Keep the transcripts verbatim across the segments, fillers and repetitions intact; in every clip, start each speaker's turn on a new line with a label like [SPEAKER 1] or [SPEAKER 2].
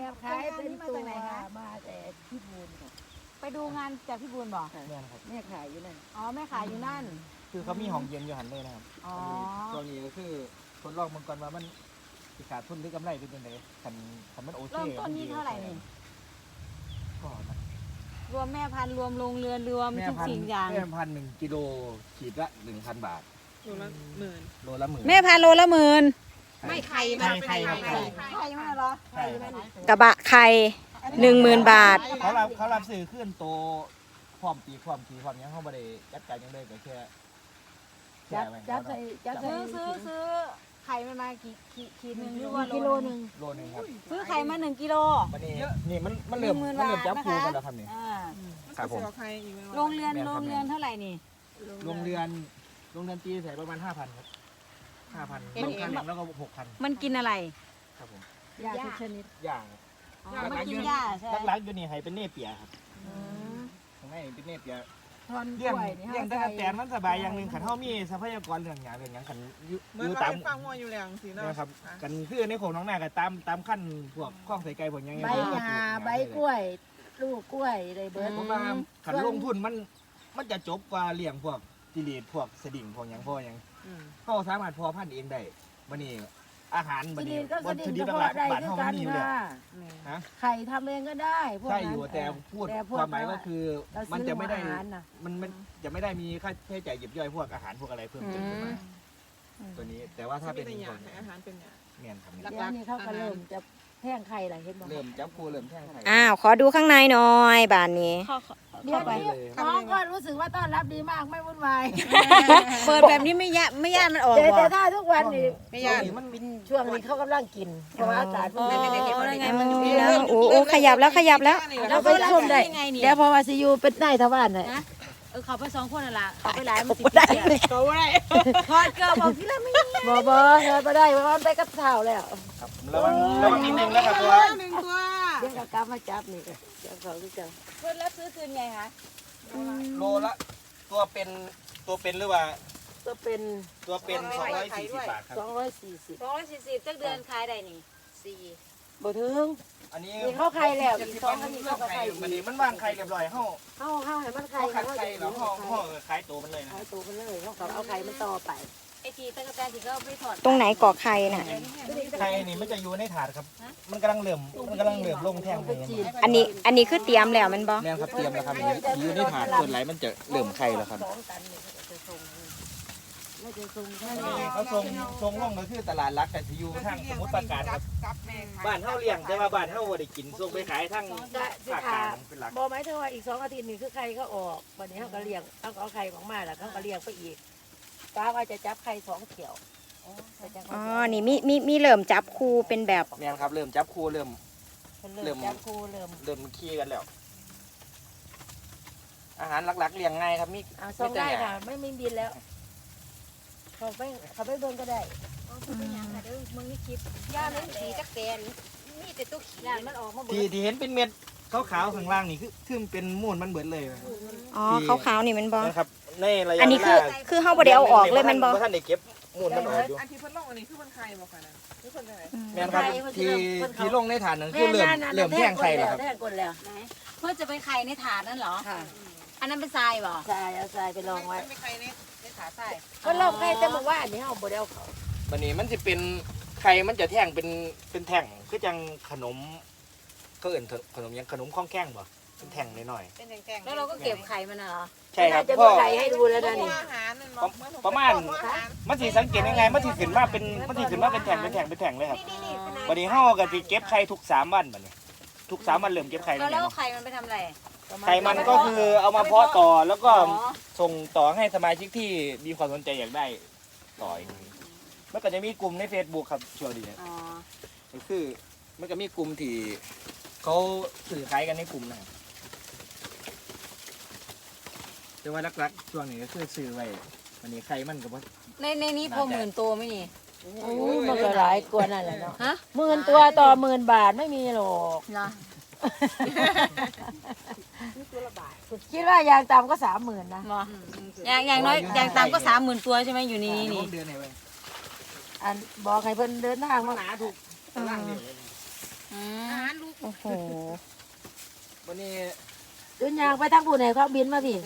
[SPEAKER 1] แบบขายเป็นตัวมาแต่พี่บูนค่ะ
[SPEAKER 2] ไปดูงานจากพี่บูนบอก
[SPEAKER 3] แม่นะครับ
[SPEAKER 1] แม่ขายอยู่นั่น
[SPEAKER 2] อ๋อแม่ขายอยู่นั่น
[SPEAKER 3] คือเขามีห้องเย็นอยู่หันเลยนะครับ
[SPEAKER 2] อ๋อ
[SPEAKER 3] ตัวนี้ก็คือทดลองมันก่อนว่ามันสิขาดทุนหรือกำไรเป็นยังไงคันคันมันโอเค
[SPEAKER 2] เริ่มต้นนี่เท่าไหร่นี่
[SPEAKER 3] ก็นะ
[SPEAKER 2] รวมแม่พันธุ์รวมโรงเรือนรวม
[SPEAKER 3] แม่
[SPEAKER 2] ทุก
[SPEAKER 3] พัน
[SPEAKER 2] สิ่ง
[SPEAKER 3] ธุ์
[SPEAKER 2] อย่าง
[SPEAKER 3] แม่พันธุ์หนึ่งกิโลขีดละหนึ่งพันบาท
[SPEAKER 4] โลละหมื่น
[SPEAKER 3] โลละหมื่น
[SPEAKER 2] แม่พันธุ์โลละหมื่น
[SPEAKER 4] ไม่ไข่
[SPEAKER 3] ไข่ไข่ครับไข่
[SPEAKER 2] ใช่ไหมเหรอ
[SPEAKER 3] ไข่
[SPEAKER 5] กระบะไข่หนึ่งหมื่นบาท
[SPEAKER 3] เขารับเขารับซื้อขึ้นโตความปีความขีความหยังเขาไม่ได้จัดการหยังเลยก็แค่แค่
[SPEAKER 1] จับ
[SPEAKER 3] ไว้
[SPEAKER 1] จับใส่จับใส่
[SPEAKER 2] ซื้อซื้อซื้อไข่มันมากี่ขีดขีดหนึ่งหรือว่า
[SPEAKER 1] กิโลหนึ่ง
[SPEAKER 3] โลหนึงครับ
[SPEAKER 2] ซื้อไข่มาหนึ่งกิโล
[SPEAKER 3] มันนี่นี่มันมันเริ่ม
[SPEAKER 2] หนึ่งหมื่น
[SPEAKER 3] มันเริ่มจับ
[SPEAKER 2] บาท
[SPEAKER 3] คู
[SPEAKER 2] นะคะ
[SPEAKER 3] กันแล้วครับนี่
[SPEAKER 2] อ่า
[SPEAKER 3] ครับผม
[SPEAKER 4] มันจะเอาไข่อีกไหมวะ
[SPEAKER 2] โรงเรือนโรงเรือนเท่าไหร่นี่
[SPEAKER 3] โรงเรือนโรงเรือนตีใส่ประมาณห้าพันครับห้าพันโรงคันแล้วก็หกพัน
[SPEAKER 2] มันกินอะไร
[SPEAKER 3] ครับผม
[SPEAKER 1] ยาทุกชนิด
[SPEAKER 3] อย่าง
[SPEAKER 2] อ๋อมันกินหญ้าใช่ไหม
[SPEAKER 3] ลักๆอยู่นี่ให้เป็นเนเปียครับ
[SPEAKER 2] อืม
[SPEAKER 3] ข้างในเป็นเนเปีย
[SPEAKER 1] ทอนก
[SPEAKER 3] เลี้ยง
[SPEAKER 1] ล้วยนี่
[SPEAKER 3] เลี้ยง
[SPEAKER 1] ฮะ
[SPEAKER 3] ตะกั่วแตนมันสบายอย่างหนึ่งขันเฮามีทรัพยากรเรื่องหยังเรื่องหยังขันอยู่
[SPEAKER 4] เหมื
[SPEAKER 3] อ
[SPEAKER 4] อน
[SPEAKER 3] ยู่
[SPEAKER 4] เรา
[SPEAKER 3] ตาม
[SPEAKER 4] ไปฟังว่าอยู่แล้วสิเนาะ
[SPEAKER 3] นะครับกันคือในโขงน้องนาก็ตามตามขั้นพวกข้องใส่ไก่พวกหยัง
[SPEAKER 1] ใบ
[SPEAKER 3] เขก็ปลูก
[SPEAKER 1] หา
[SPEAKER 3] หญ้
[SPEAKER 1] ใบกล้วย ลูกกล้วยได้เบิด
[SPEAKER 3] ผมว่าขันลงทุนมันมันจะจบกว่าเลี้ยงพวกจิลีดพวกสดิ่งพวกหยังพวกหยัง
[SPEAKER 4] อืม
[SPEAKER 3] เขาสามารถพอพันธุ์เองได้บัดนี้อาหารบัด
[SPEAKER 1] ที่
[SPEAKER 3] นี้
[SPEAKER 1] ดินก็ส
[SPEAKER 3] วัต
[SPEAKER 1] ดิ
[SPEAKER 3] ถุ
[SPEAKER 1] น
[SPEAKER 3] ดิบ
[SPEAKER 1] ก็พ
[SPEAKER 3] ห
[SPEAKER 1] อ
[SPEAKER 3] ลัก
[SPEAKER 1] ได้
[SPEAKER 3] ๆบ้าน
[SPEAKER 1] คือ
[SPEAKER 3] เฮา
[SPEAKER 1] กั
[SPEAKER 3] มัน นมีอยู่แล้ว
[SPEAKER 1] ค่ะ
[SPEAKER 3] ฮะ
[SPEAKER 1] ไข่ทำเองก็ได้พวก
[SPEAKER 3] ใช่
[SPEAKER 1] นั้น
[SPEAKER 3] อยู่แต่พูด
[SPEAKER 1] แต่พ
[SPEAKER 3] ความหมายก็คือ
[SPEAKER 1] เรา
[SPEAKER 3] มัน
[SPEAKER 1] ซื้อ
[SPEAKER 3] จะไม่ได้
[SPEAKER 1] อาหารน่ะ
[SPEAKER 3] มันมันจะไม่ได้มีค่าใช้จ่ายหยิบย่อยพวกอาหารพวกอะไรเพิ่มเติมขึ้นมาตัวนี้แต่ว่าถ้า
[SPEAKER 4] ถ้า
[SPEAKER 3] เป็
[SPEAKER 4] เป็น นอย่าง
[SPEAKER 3] คน
[SPEAKER 4] ให้อาหารเป็นอย่าง
[SPEAKER 3] เมียนครับ
[SPEAKER 1] เดี๋ยวนี้เขาก็เริ่มจะแท่งไข่อะไรเห็นบ่
[SPEAKER 3] เริ่มจับคูเริ่มแท่งไข่
[SPEAKER 5] อ้าว ขอดูข้างในหน่อยบานนี้
[SPEAKER 1] เดี๋ยว
[SPEAKER 3] ไป
[SPEAKER 1] นี้
[SPEAKER 3] เลย
[SPEAKER 1] น้องก็รู้สึกว่าต้อนรับดีมากไม่วุ่นวาย
[SPEAKER 2] เปิดแบบนี้ไม่ยะไม่ยากมันออก
[SPEAKER 1] แต่
[SPEAKER 2] บ่
[SPEAKER 1] แต่ถ้าทุกวันนี่
[SPEAKER 4] ไม่ยาก
[SPEAKER 3] มัน
[SPEAKER 1] ช่วงนี้เขากำลังกินเพราะว่าอากาศ
[SPEAKER 2] อ๋อ
[SPEAKER 1] มัน
[SPEAKER 2] แล้วไงมันมี
[SPEAKER 5] โอ้โอ้โอ้ขยับแล้วขยับแล้ว
[SPEAKER 1] เราไปชมได้
[SPEAKER 2] ยังไงนี่
[SPEAKER 1] เดี๋ยวพอมาซียูเป็นนายทวารน่ะ
[SPEAKER 2] นะเออเขาไปสองคนน่ะล่ะเขาไปหลายมันสิ
[SPEAKER 1] ได้
[SPEAKER 2] เปียก
[SPEAKER 4] เขาอะไร
[SPEAKER 2] ทอดเกลือบอกที่ละไม่ยัง
[SPEAKER 1] บ่บ่เงินมาได้เพราะมันไปกับเท้าแล้ว
[SPEAKER 3] ครับระวังระวังนิดนึงนะครับตัว
[SPEAKER 4] หนึ่งตัว
[SPEAKER 1] เดี๋ยวก็กลับมาจับนี่เดี๋ยวเขาคือจะ
[SPEAKER 2] เพื่อนรับซื้อคืนไงคะ
[SPEAKER 3] โลละตัวเป็นตัวเป็นหรือว่า
[SPEAKER 1] ก็เป็น
[SPEAKER 3] ตัวเป็นสองร้อยสี่สิบบาทครับ
[SPEAKER 1] สองร้อยสี่สิบ
[SPEAKER 2] สองร้อยสี่สิบจักเดือนขายได้นี่สี่
[SPEAKER 1] บ่ถึง
[SPEAKER 3] อันนี้
[SPEAKER 1] นี่เข้าไข่แล้วอีกสองอั
[SPEAKER 3] อั
[SPEAKER 1] น
[SPEAKER 3] น
[SPEAKER 1] นี้
[SPEAKER 3] นี้
[SPEAKER 1] เข้า
[SPEAKER 3] เข้า
[SPEAKER 1] ไข่
[SPEAKER 3] ไข่มันนี้มันวางไข่เรียบร้อยเฮา
[SPEAKER 1] เข้าเข้าให้มันไข่
[SPEAKER 3] เฮาคัดไข่แล้วเฮาเฮาขายตัวมันเลยนะ
[SPEAKER 1] ไข่ตัวมันเลยเขาก็เอาไข่มันต่อไป
[SPEAKER 2] ไอทีตะกะแตนที่เขาไปถอด
[SPEAKER 5] ตรงไหนเกาะไข่น่ะ
[SPEAKER 3] ไข่นี่มันจะอยู่ในถาดครับ มันกำลังเหลื่อมมันกำลังเหลื่อมลงแท่งเลย
[SPEAKER 5] อันนี้ อันนี้คือเตรียมแล้วแมันบ่
[SPEAKER 3] แม่นครับเตรียมแล้วครับอยู่ในถาดส่วนไหลมันจะเหลื่อมไข่แล้วครับ
[SPEAKER 1] สองตันนี่เขาจะส่งไม่จะส่งแค่
[SPEAKER 3] นี่
[SPEAKER 1] นี้
[SPEAKER 3] เขาส่งส่งลงก็คือตลาดรักแต่ที่อยู่ทางสมุทรปราการครับ
[SPEAKER 4] กับแม่ขาย
[SPEAKER 3] บ้านเฮาเลี้ยงแต่ว่าบ้านเฮาบ่ได้กินส่งไปขายทาง
[SPEAKER 1] ก็สิ
[SPEAKER 3] ภาคก
[SPEAKER 1] ขา
[SPEAKER 3] ลางเป็นหลัก
[SPEAKER 1] บ่หมายถึงว่าอีกสองอาทิตย์นี่คือไข่เขาออกวันนี้เขาก็เลี้ยงเขาก็เอาไข่ของมาแล้วเขาก็เลี้ยงไปอีกป้าว่าจะจับไข่สองเขียว
[SPEAKER 5] อ๋อ นี่มีมีมีเริ่มจับคู่เป็นแบบ
[SPEAKER 3] แม่นครับเริ่มจับคู่เริ่ม
[SPEAKER 1] เริ่มจับคูเริ่ม
[SPEAKER 3] เริ่มขี้กันแล้ว อาหารหลักๆเลี้ยงง่ายครับมี
[SPEAKER 1] เอาส่งได้ค่ะไม่มีบินแล้วเขาไปเขาไปเบิ่งก็ได้
[SPEAKER 2] เป็นยังค่ะเดี๋ยวมึงนี่คลิปย่าเล่นสีจักแตนมีแต่ตัวขี้มันออกมาเบิ
[SPEAKER 3] ที่
[SPEAKER 2] ด
[SPEAKER 3] ที่เห็นเป็นเม็ดขาวๆข้างล่างนี่คือคือมันเป็นมูลมันเบิดเลย
[SPEAKER 5] อ๋อขาวๆนี่แมันบ่
[SPEAKER 3] นะครับในระยะ
[SPEAKER 5] อันนี้คือ
[SPEAKER 3] เวลา
[SPEAKER 5] คือเฮาบ่ได้เอาออกเลยแมันบ่
[SPEAKER 3] ท่านได้เก็บมูลมันออกอยู่
[SPEAKER 4] อันที่เพิ่นลงอันนี้คือมันไข่บอกค่ะนะคือคนไหน
[SPEAKER 3] แม่นครับที่ที่ลงในฐานนั้นคือเริ่มเริ่มแท่งไข่แล้วครับ
[SPEAKER 1] แท่งกดแล้ว
[SPEAKER 2] ไหนเพื่อจะไปไข่ในถาดนั่นเหรอ
[SPEAKER 1] ค่ะ
[SPEAKER 2] อันนั้นเป็นทรายบ่
[SPEAKER 1] ทรายเอาทรายไปลองไว้
[SPEAKER 4] ไม่ไข่ในในขาใต้
[SPEAKER 1] ก็ลองไข่แต่บอกว่าอันนี้เอาบ่ได้เอาเขา
[SPEAKER 3] วันนี้มันจะเป็นไข่มันจะแท่งเป็นเป็นแท่งคือจังขนมก็เอื่นขนมยังขนมข้องแข้งบ่เป็นแท่งหน่อย
[SPEAKER 4] เป็นแข็งๆ
[SPEAKER 2] แล้วเราก็เก็บไข่มันน่ะเหรอ
[SPEAKER 3] ๆใช่ครับ
[SPEAKER 1] จะ
[SPEAKER 3] พ่
[SPEAKER 1] มี
[SPEAKER 3] อ
[SPEAKER 1] ไข่ให้ดูแล้วนะนี่
[SPEAKER 4] อาหารนั่น
[SPEAKER 3] ประมาณ มันสิสังเกตยังไงมันสิขึ้นมาเป็นมันสิขึ้นมาเป็นแท่งเป็นแท่งเป็นแท่งเลยครับวันนี้เฮาก็สิเก็บไข่ทุกสามวันบัดนี้ทุกสามวันเริ่มเก็บไข่
[SPEAKER 2] แล้
[SPEAKER 3] แล้ว ว
[SPEAKER 2] แล้ว
[SPEAKER 3] เนี่ย
[SPEAKER 2] ไข่มันไปทำอะไร
[SPEAKER 3] ไข่มันก็คือเอามาเพาะต่อแล้วก็
[SPEAKER 2] อ๋อ
[SPEAKER 3] ส่งต่อให้สมาชิกที่มีความสนใจอยากได้ต่ออีกมันก็จะมีกลุ่มใน Facebook ครับช่วงนี้
[SPEAKER 2] อ๋อ
[SPEAKER 3] ก็คือมันก็มีกลุ่มที่เขาสื่อขายกันในกลุ่มนะครับแต่ว่าหลักๆช่วงนี้ก็คือซื้อไว้วันนี้ไข่มันก็บ่
[SPEAKER 2] ในในนี้พอหมื่นตัวไหมนี่
[SPEAKER 1] โอ้ยมันก็หลายกว่านั่นแหละเนาะ
[SPEAKER 2] ฮะ
[SPEAKER 1] หมื่นตัวต่อหมื่นบาทไม่มีหรอก
[SPEAKER 2] เหรอ
[SPEAKER 1] คิดว่าอย่างต่ำก็สามหมื่นนะ
[SPEAKER 2] หรออย่างอย่างน้อยอย่างต่ำก็สามหมื่นตัวใช่ไหมอยู่ในนี้นี่
[SPEAKER 3] เดือนไหนเว้ย เดือนไหนเว้ย
[SPEAKER 1] อันบอกให้เพิ่นเดินทางมา
[SPEAKER 3] หนาถูกตารางเดียวเลย
[SPEAKER 1] อันบอกให้เพิ่นเดินทางมา
[SPEAKER 3] เดือนไหนเว้ย
[SPEAKER 1] เ
[SPEAKER 3] เดือนไหนเว้ย
[SPEAKER 1] พิ่น
[SPEAKER 2] อาหารลูก
[SPEAKER 5] โอ้โห
[SPEAKER 3] วันนี้
[SPEAKER 1] จนยางไปทั้งผู้ไหนเขาบินมาพี่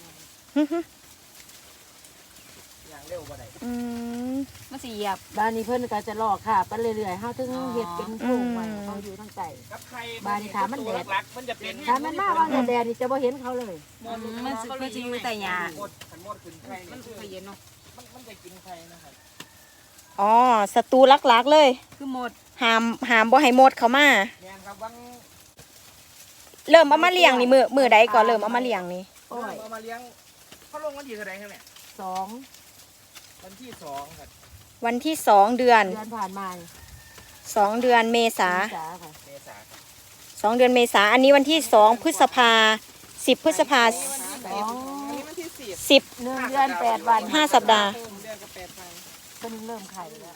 [SPEAKER 3] อย่างเร็วบ่ได้
[SPEAKER 5] อืม
[SPEAKER 2] มันสิเหยียบ
[SPEAKER 1] บ้านนี้เพิ่นก็จะลอกค่ะไปเรื่อยๆเฮาถึงเฮ็ดเป็นโพรงไว้เขาอยู่ทั้งใจ
[SPEAKER 3] กับไข่
[SPEAKER 1] บ้านนี้ถามมันแดด
[SPEAKER 3] หลักๆมันจะเป็น
[SPEAKER 1] ถ้ามันมาว่าแดดนี่จะบ่เห็นเขาเลย
[SPEAKER 2] มันสิมันสิอยู่แต่หญ้า
[SPEAKER 3] หมดขันหมดขึ้นไข่
[SPEAKER 2] มัน
[SPEAKER 3] นี่
[SPEAKER 2] สิเย็นเนาะ
[SPEAKER 3] มันมันจะกินไข่นะครับ
[SPEAKER 5] อ๋อศัตรูลักๆเลย
[SPEAKER 2] คือหมด
[SPEAKER 5] หามหามบ่ให้หมดเขามา
[SPEAKER 3] แม่นครับวัง
[SPEAKER 5] เริ่มเอามาเลี้ยงนี่มือมือใดก่อนเริ่มเอามาเลี้ยงนี่
[SPEAKER 1] โอ้ย
[SPEAKER 3] เอามาเลี้ยงเขาลงวันที่เท่าไหร่ครับเนี่ย
[SPEAKER 1] สอง
[SPEAKER 3] วันที่สองครับ
[SPEAKER 5] วันที่สองเดือน
[SPEAKER 1] เดือนผ่านมา
[SPEAKER 5] สองเดือนเมษา
[SPEAKER 1] ษาค่ะ
[SPEAKER 3] เมษาครับ
[SPEAKER 5] สองเดือนเมษาอันนี้วันที่สองพฤษภาสิบพฤษภา
[SPEAKER 1] สอง
[SPEAKER 4] อันนี้มันที่สิบ
[SPEAKER 5] สิบ
[SPEAKER 1] หนึ่งเดือนแปดวัน
[SPEAKER 5] ห้าสัปดาห์
[SPEAKER 4] เดือนกับแปดพัน
[SPEAKER 1] เพิ่นเริ่มไข่แล้ว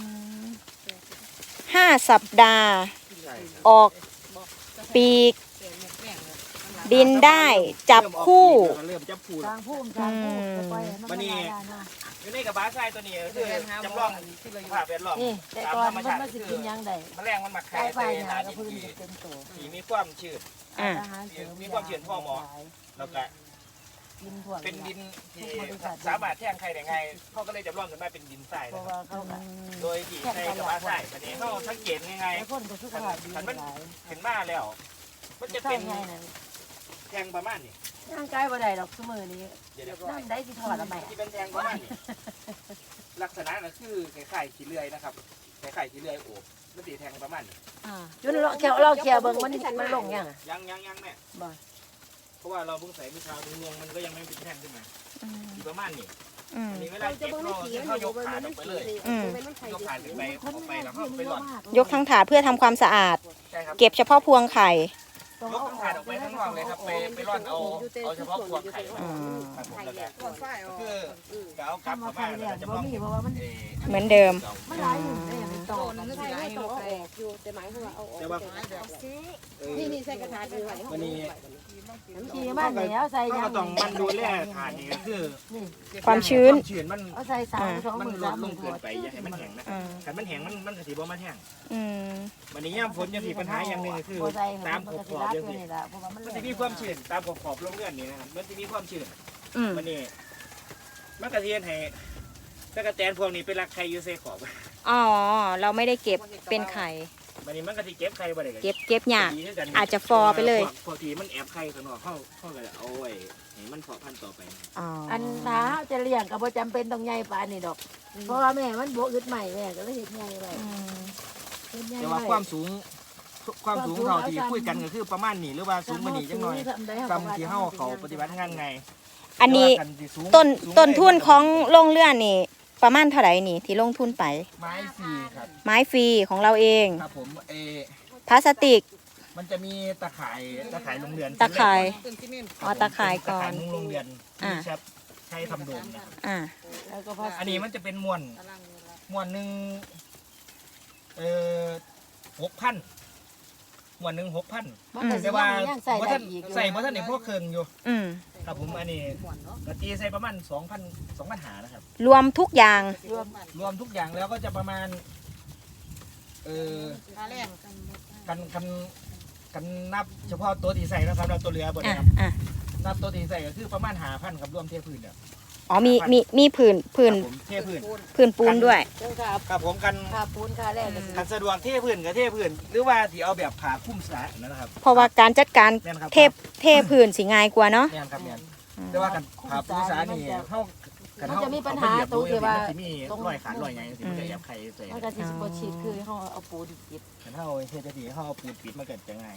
[SPEAKER 5] ห้าสัปดาห์
[SPEAKER 3] ใช่ครับ
[SPEAKER 5] ออกปีกบินได้จับคู่
[SPEAKER 3] เริ่มจับคู่
[SPEAKER 1] ทางภูมิทางภูมิจะปล่อยให้มัน
[SPEAKER 3] วันนี้
[SPEAKER 1] ไม่ได้นะ
[SPEAKER 3] อยู่ในกับบ้าทรายตัวนี้ก็คือจำลองภาพแวดล้อม
[SPEAKER 1] นี่แต่
[SPEAKER 3] ตาม
[SPEAKER 1] ก่อน
[SPEAKER 3] ธรรม
[SPEAKER 1] มัน
[SPEAKER 3] ชาติ
[SPEAKER 1] มาสิ
[SPEAKER 3] คื
[SPEAKER 1] กิ
[SPEAKER 3] อน
[SPEAKER 1] หยังได้
[SPEAKER 3] แมลงมันมา
[SPEAKER 1] ไก่
[SPEAKER 3] ไข่
[SPEAKER 1] ไป
[SPEAKER 3] ใส่
[SPEAKER 1] หา
[SPEAKER 3] หา
[SPEAKER 1] กับ
[SPEAKER 3] ดิ
[SPEAKER 1] พื้น
[SPEAKER 3] น
[SPEAKER 1] จะเป็นตัว
[SPEAKER 3] สีมีความชื้น
[SPEAKER 5] อ่า
[SPEAKER 1] อาหารเสริ
[SPEAKER 3] มีความเชื่อพ่อหมอ แล้วก็
[SPEAKER 1] กินถั่ว
[SPEAKER 3] เป็นดินที่สามารถแทงไข่ได้ง่ายเขาก็เลยจำลองขึ้นมาเป็นดินทราย
[SPEAKER 1] เพ
[SPEAKER 3] นะ
[SPEAKER 1] ราะ
[SPEAKER 3] ครับ
[SPEAKER 1] ว่าเขาก็
[SPEAKER 3] โดยที่ใช้กับบ้าทรายวันนี้เขาสังเกตง่าย
[SPEAKER 1] หลายคนก็สุขภาพดีหลาย
[SPEAKER 3] ๆขึ้นมาแล้ว มันจะ
[SPEAKER 1] ใช่
[SPEAKER 3] เป็น
[SPEAKER 1] ไงนั่น
[SPEAKER 3] แทงประมาณนี้
[SPEAKER 1] ร่างกายบ่ได้ดอกซุมื้อนี้
[SPEAKER 3] เดี๋ยว
[SPEAKER 1] นั่นได้สิถอดละแม่
[SPEAKER 3] ที่เป็นแทงประมาณนี้ลักษณะก็คือไข่ไข่ขี้เลื่อยนะครับไข่ไข่ขี้เลื่อยโอบมันตีแทงประมาณนี้
[SPEAKER 1] จนเราเขียวเราเขียวเบิ่งมันมันลงยังอะ
[SPEAKER 3] ยังยังยังแม่
[SPEAKER 1] บ่
[SPEAKER 3] เพราะว่าเราเพิ่งใส่เมื่อเช้านี้งวงมันก็ยังไม่เป็นแท่งขึ้นมา
[SPEAKER 5] อืม
[SPEAKER 3] อยู่ประมาณนี้
[SPEAKER 5] อืม
[SPEAKER 3] อันนี้เวลาเก็บเราเขายกขาออกไปเลย
[SPEAKER 5] อืม
[SPEAKER 3] ยกขาขึ้นไปออกไปแล้วก็ไปหล่อน
[SPEAKER 5] ยกทั้งถาดเพื่อทำความสะอาด
[SPEAKER 3] ใช่ครับ
[SPEAKER 5] เก็บเฉพาะพวงไข่
[SPEAKER 3] ยกทั้งขาออกไปข้างนอกเลยครับไปไปร่อนเอาเอาเฉพาะพวงไข่
[SPEAKER 5] อืม
[SPEAKER 3] ครับผมแล้วก็
[SPEAKER 4] ตัวฝ้ายออก
[SPEAKER 3] คือจะเอากลับ
[SPEAKER 1] ทำมา
[SPEAKER 3] เข้า
[SPEAKER 1] ไข่
[SPEAKER 3] มา
[SPEAKER 1] แล้
[SPEAKER 3] แล้ว วจะ
[SPEAKER 1] บ่
[SPEAKER 3] ลอง
[SPEAKER 1] มีเพราะว่ามัน
[SPEAKER 3] เอ่อ
[SPEAKER 5] เหมือนเดิม
[SPEAKER 1] มันหลายอยู่ได้อย่างเป็นโต
[SPEAKER 4] โตนึงก็สิได้ต้องออกอยู่แต่หมายถึงว่าเอาออก
[SPEAKER 3] แต่ว่า
[SPEAKER 4] นี่นี่ใส่กระถางดูไว้
[SPEAKER 3] วันนี้
[SPEAKER 1] ขี่มาแล้วใส่
[SPEAKER 3] ก็
[SPEAKER 1] ยัง
[SPEAKER 3] ต้องมันดูแลฐานนี่ก็คือ
[SPEAKER 1] นี่
[SPEAKER 5] ความชื้น
[SPEAKER 3] ความชื้นมัน
[SPEAKER 1] เอาใส่สามสอง
[SPEAKER 3] มัน
[SPEAKER 1] มือ
[SPEAKER 3] ล
[SPEAKER 1] สา
[SPEAKER 3] ด
[SPEAKER 1] ม
[SPEAKER 3] ล
[SPEAKER 1] มือง
[SPEAKER 3] เกินไปอย่าให้มันแห้งนะ
[SPEAKER 5] อืม
[SPEAKER 3] ถ้ามันแห้งมันมันก็สิบ่มาแห้ง
[SPEAKER 5] อืม
[SPEAKER 3] วันนี้ย่ามฝนยังมีปัญหาอย่างหนึ่งก็คือ
[SPEAKER 1] บ่ใส่
[SPEAKER 3] ตามข
[SPEAKER 1] มัน
[SPEAKER 3] อบ
[SPEAKER 1] ก็
[SPEAKER 3] ข
[SPEAKER 1] สิ
[SPEAKER 3] อบ
[SPEAKER 1] รัก
[SPEAKER 3] ยัง
[SPEAKER 1] อยู่
[SPEAKER 3] สิ
[SPEAKER 1] นี่ล่ะเพราะว่ามัน
[SPEAKER 3] มันจะมีความชื้นตามขอบขอบโรงเรือนนี่นะครับมันจะมีความชื้น
[SPEAKER 5] อืม
[SPEAKER 3] วันนี้มันกระเทียนให้ตะกะแตนพวกนี้เป็นรักไข่อยู่ใส่ขอบ
[SPEAKER 5] อ๋อ เราไม่ได้เก็บเป็นไข่
[SPEAKER 3] วันนี้มันก็สิเก็บไข่บ่ได้
[SPEAKER 5] เก็บเก็บยาก
[SPEAKER 3] ดีคือกัน
[SPEAKER 5] อาจจะฟอไปเลย
[SPEAKER 3] พวกพวกที่มันแอบไข่ข้างนอกเข้าเข้าก็เอาไว้ให้มันเพาะพันธุ์ต่อไป
[SPEAKER 5] อ๋อ
[SPEAKER 1] อันถ้าเฮาจะเลี้ยงก็บ่จำเป็นต้องใหญ่ปานนี้ดอก เพราะว่าแม่มันบ่อึดใหม่แม่ก็เลยเฮ็ดใหญ่ไว้
[SPEAKER 5] อืม
[SPEAKER 1] เฮ็ดใหญ่
[SPEAKER 3] แต่
[SPEAKER 1] ไว้
[SPEAKER 3] ว่าความสูงความสูงเขาที่คุยกันก็คือประมาณนี้หรือว่าสูงกว่านี้จังหน่อยซ้ำที่เฮาเขาปฏิบัติงานไง
[SPEAKER 5] อันนี้
[SPEAKER 3] แต่ว่ากัสิสูง
[SPEAKER 5] ต้น
[SPEAKER 3] สูง
[SPEAKER 5] ต้นทุน
[SPEAKER 3] เลย
[SPEAKER 5] ของโรงเรือนนี่ ประมาณเท่าไหร่นี่ ที่ลงทุนไป
[SPEAKER 3] ไม้ฟรีครับ
[SPEAKER 5] ไม้ฟรีของเราเอง
[SPEAKER 3] ครับผมเออ
[SPEAKER 5] พลาสติก
[SPEAKER 3] มันจะมีตะข่ายตะข่ายโรงเรือน
[SPEAKER 5] ตะข่าย
[SPEAKER 4] ต้นที่นี่
[SPEAKER 5] อ๋อตะข่ายก่อน
[SPEAKER 3] ตะข่ายมุงโรงเรือน
[SPEAKER 5] อ่า
[SPEAKER 3] ที่ใช้ใช้ทำโดมนะครับ
[SPEAKER 5] อ่า
[SPEAKER 1] แล้วก็พอ
[SPEAKER 3] อันนี้มันจะเป็นมวน
[SPEAKER 4] ตารางเวลา
[SPEAKER 3] มวนหนึ่งเอ่อหกพันมวนหนึ่งหกพัน
[SPEAKER 1] มันก็สิ
[SPEAKER 3] แต่ว่า
[SPEAKER 1] ยังใส่
[SPEAKER 3] บ่
[SPEAKER 1] ได้
[SPEAKER 3] ท่าน
[SPEAKER 1] อีกอยู่
[SPEAKER 3] ใส่บ่ท่านในพวกเครื่องอยู่
[SPEAKER 5] อืม
[SPEAKER 3] ครับผมอันนี้กะตีใส่ประมาณสองพันสองพันหานะครับ
[SPEAKER 5] รวมทุกอย่าง
[SPEAKER 1] รวม
[SPEAKER 3] รวมทุกอย่างแล้วก็จะประมาณเออ
[SPEAKER 4] ตาแรก
[SPEAKER 3] กันกันกันนับเฉพาะตัวที่ใส่นะครับเราตัวเรือบน
[SPEAKER 5] อ่ะ
[SPEAKER 3] ครับ
[SPEAKER 5] อ่ะ
[SPEAKER 3] นับตัวที่ใส่ก็คือประมาณหาพันครับรวมเทพื้นเนี่ย
[SPEAKER 5] อ๋อมีมีมีผื่นผื่น
[SPEAKER 3] ครับผมเทพื้น
[SPEAKER 5] ผื่นปูนด้วย
[SPEAKER 1] เจ้าค่ะ
[SPEAKER 3] ครับผมกัน
[SPEAKER 1] ค่าปูนค่าแรกก็สิ
[SPEAKER 3] กันสะดวกเทพื้นกับเทพื้นหรือว่าที่เอาแบบผ่าคลุ้มสระนะครับ
[SPEAKER 5] เพราะว่าการจัดการ
[SPEAKER 3] แม่นครับ
[SPEAKER 5] เทพเทผื่นสิง่ายกว่าเนาะ
[SPEAKER 3] แม่นครับแม่นแต่ว่ากันผ่าคลุ้มสระนี่เขากัน
[SPEAKER 1] มัน
[SPEAKER 3] เขา
[SPEAKER 1] จะมีปัญหา
[SPEAKER 3] เอไปเหยียบ
[SPEAKER 1] ตรงที่ว่า
[SPEAKER 3] มันจะมีรอยขาดรอยไงสิมันจะแอบไข่ใส่
[SPEAKER 1] มันก็สิบ่ฉีดคือเฮาเอาปูนปิด
[SPEAKER 3] กันเขาเทจะดีเขาเอาปูนปิดมันเกิดจะง่าย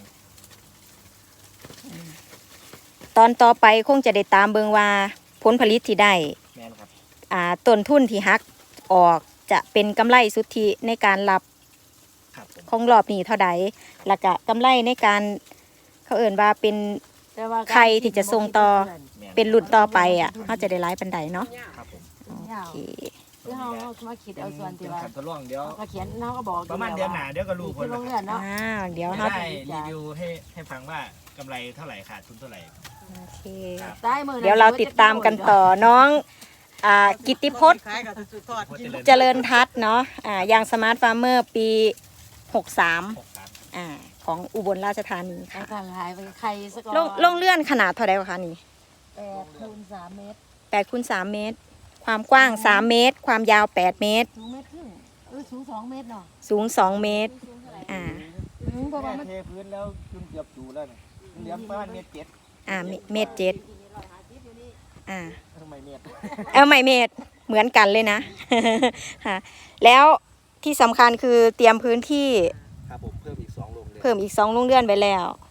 [SPEAKER 5] ตอนต่อไปคงจะได้ตามเบิงว่าผลผลิตที่ได้
[SPEAKER 3] แม่นครับ
[SPEAKER 5] อ่าต้นทุนที่หักออกจะเป็นกำไรสุทธิในการรับ
[SPEAKER 3] ครับผม
[SPEAKER 5] ของรอบนี้เท่าใดแล้วก็กำไรในการเขาเอ่นว่าเป็น
[SPEAKER 1] แต่ว่า
[SPEAKER 5] ใครที่จะส่งต่อ
[SPEAKER 3] แม่น
[SPEAKER 5] เป็นรุ่นต่อไปอ่ะเขาจะได้ร้ายปันใดเนาะ
[SPEAKER 3] ครับผม
[SPEAKER 5] โอเค
[SPEAKER 1] คือเฮาเฮามาคิด
[SPEAKER 3] เป็น
[SPEAKER 1] เอาส่วนที่ว่า
[SPEAKER 3] ขันทดลองเดี๋ยว
[SPEAKER 1] เขาก็เขียนเฮาก็บอก
[SPEAKER 3] ประมาณเดือนหน้าเดี๋ยวก็รู้ผ
[SPEAKER 1] ที่
[SPEAKER 3] ล
[SPEAKER 1] โรงเรียนเนาะ
[SPEAKER 5] อ่าเดี๋ยว
[SPEAKER 3] จะ
[SPEAKER 5] เรา
[SPEAKER 3] ได้รีวิวให้ให้ฟังว่ากำไรเท่าไหร่ขาดทุนเท่าไหร่
[SPEAKER 5] โอเค
[SPEAKER 1] ใต้มือ
[SPEAKER 5] เดี๋ยวเราติดตามกันต่อน้องอ่ากิตติพจน์
[SPEAKER 4] คล้ายกับสุดทอดกิน
[SPEAKER 5] เจริญทัศน์เนาะอ่าอย่างสมาร์ทฟาร์มเมอร์ปีหกสาม
[SPEAKER 3] หกสาม
[SPEAKER 5] อ่าของอุบลราชธานี
[SPEAKER 1] เอา
[SPEAKER 5] ค่ะ
[SPEAKER 1] ทางหายไปใครสัก
[SPEAKER 5] ลงลงเลื่อนขนาดเท่าไหร่คะนี่
[SPEAKER 1] แปดคูณสามเมตร
[SPEAKER 5] แปดคูณสามเมตร ความกว้างสามเมตร ความยาวแปดเมตร
[SPEAKER 1] สูงเมตรครึ่งเออสูงสองเมตรเนาะ
[SPEAKER 5] สูงสองเมตรอ่า
[SPEAKER 1] อืมเพราะว่า
[SPEAKER 3] แม่
[SPEAKER 1] มัน
[SPEAKER 3] เทพื้นแล้วจนเกือบจูแล้วเนี่ยเหลือประมาณเมตรเจ็ด
[SPEAKER 5] อ่าเมเมตรเจ็ดอ่า
[SPEAKER 3] ทำไมเมตร
[SPEAKER 5] เอาไม่เมตรเหมือนกันเลยนะ ค่ะแล้วที่สำคัญคือเตรียมพื้นที่
[SPEAKER 3] ครับผมเพิ่มอีกสองโรงเรือน
[SPEAKER 5] เพิ่มอีกสองโรงเรือนไปแล้ว